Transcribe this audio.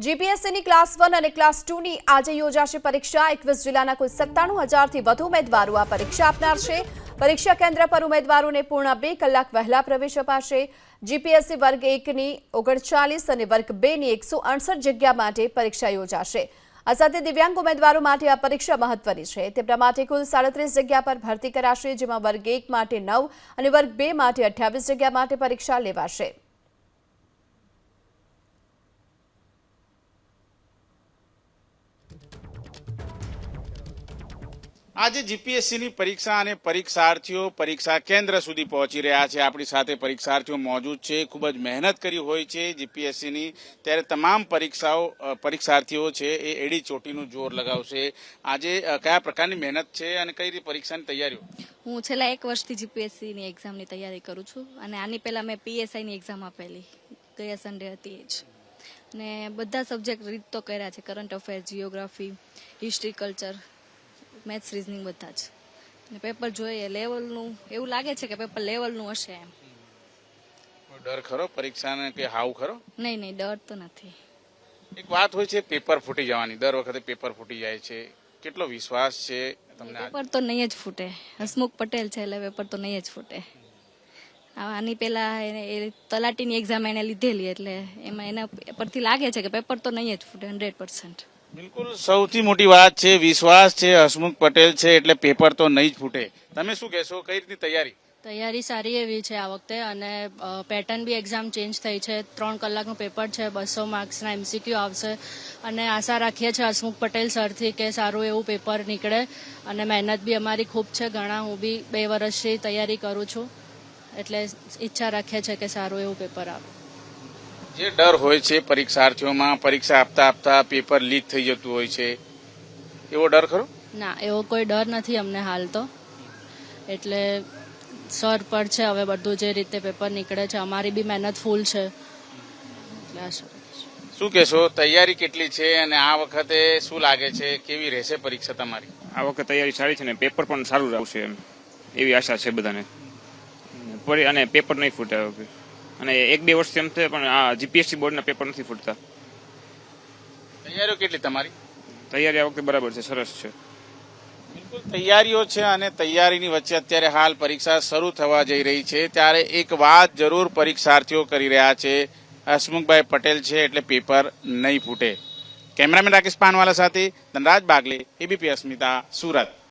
જીપીએસસીની class 1 અને class 2 ની આજે યોજાશે પરીક્ષા। 21 જિલ્લાના કુલ 97,000થી વધુ ઉમેદવારો આ પરીક્ષા આપનાર છે। પરીક્ષા કેન્દ્ર પર ઉમેદવારોને પૂર્ણ 2 કલાક વહેલા પ્રવેશ અપાશે। જીપીએસસી વર્ગ 1 ની 39 અને વર્ગ 2 ની 168 જગ્યા માટે પરીક્ષા યોજાશે। આ સાથે દિવ્યાંગ ઉમેદવારો માટે આ પરીક્ષા મહત્વની છે। તેમના માટે કુલ 37 જગ્યા પર ભરતી કરાશે, જેમાં વર્ગ 1 માટે 9 અને વર્ગ 2 માટે 28 જગ્યા માટે પરીક્ષા લેવાશે। આજે જીપીએસસીની પરીક્ષા અને પરીક્ષાર્થીઓ પરીક્ષા કેન્દ્ર સુધી પહોંચી રહ્યા છે। આપણી સાથે પરીક્ષાર્થીઓ મોજૂદ છે। ખૂબ જ મહેનત કરી હોય છે જીપીએસસીની, ત્યારે તમામ પરીક્ષાર્થીઓ છે એ એડી ચોટીનું જોર લગાવશે। આજે કયા પ્રકારની મહેનત છે અને કઈ રીતે પરીક્ષાની તૈયારીઓ? હું છેલ્લા 1 વર્ષથી જીપીએસસીની એક્ઝામની તૈયારી કરું છું અને આની પહેલાં મેં પીએસઆઈની એક્ઝામ આપેલી, ગયા સન્ડે હતી એ જ, અને બધા સબ્જેક્ટ રીત તો કર્યા છે, current affairs, geography, history, culture, maths, reasoning બધા જ। અને પેપર જોઈએ લેવલનું, એવું લાગે છે કે પેપર લેવલનું હશે એમ। ડર ખરો પરીક્ષાને કે હાવ ખરો? નહીં, ડર તો નથી। એક વાત હોય છે પેપર ફૂટી જવાની, દર વખતે પેપર ફૂટી જાય છે, કેટલો વિશ્વાસ છે તમને? પેપર તો નહીં જ ફૂટે, હસમુખ પટેલ છે એટલે પેપર તો નહીં જ ફૂટે। આની પહેલા એ તલાટીની એક્ઝામ એને લીધેલી, એટલે એમાં એના પરથી લાગે છે કે પેપર તો નહીં જ ફૂટે 100%। બિલકુલ, સૌથી મોટી વાત છે વિશ્વાસ છે, હસમુખ પટેલ છે એટલે પેપર તો નહીં જ ફૂટે। તમે શું કહેશો, કઈ રીતની તૈયારી? તૈયારી સારી એવી છે આ વખતે, અને પેટર્ન બી એક્ઝામ ચેન્જ થઈ છે। 3 કલાકનું પેપર છે, 200 માર્ક્સના એમસીક્યુ આવશે, અને આશા રાખીએ છીએ હસમુખ પટેલ સરથી કે સારું એવું પેપર નીકળે। અને મહેનત બી અમારી ખૂબ છે ઘણા, હું બી 2 વર્ષથી તૈયારી કરું છું, એટલે ઈચ્છા રાખીએ છીએ કે સારું એવું પેપર આવે। જે ડર હોય છે પરીક્ષાર્થીઓમાં, પરીક્ષા આપતા આપતા પેપર લીક થઈ જતું હોય છે, એવો ડર ખરો? ના, એવો કોઈ ડર નથી અમને હાલ તો, એટલે સર પર છે હવે બધું જે રીતે પેપર નીકળે છે, અમારી બી મહેનત ફૂલ છે, એટલે આશા રાખીએ છીએ। શું કહેશો, તૈયારી કેટલી છે અને આ વખતે શું લાગે છે, કેવી રહેશે પરીક્ષા તમારી? આ વખતે તૈયારી સારી છે ને પેપર પણ સારું આવશે એમ એવી આશા છે બધાને, અને પેપર નહીં ફૂટે આ વખતે। અને 1-2 વર્ષથી એમ છે, પણ આ જીપીએસસી બોર્ડના પેપર નથી ફૂટતા। તૈયારીઓ કેટલી તમારી? તૈયારી આ વખતે બરાબર છે, સરસ છે। બિલકુલ તૈયારીઓ છે, અને તૈયારીની વચ્ચે અત્યારે હાલ પરીક્ષા શરૂ થવા જઈ રહી છે, ત્યારે એક વાત જરૂર પરીક્ષાર્થીઓ કરી રહ્યા છે, હસમુખભાઈ પટેલ છે એટલે પેપર નહીં ફૂટે। કેમેરામેન રાકેશ પાનવાલા સાથે ધનરાજ બાગલે, એબીપી અસ્મિતા, સુરત।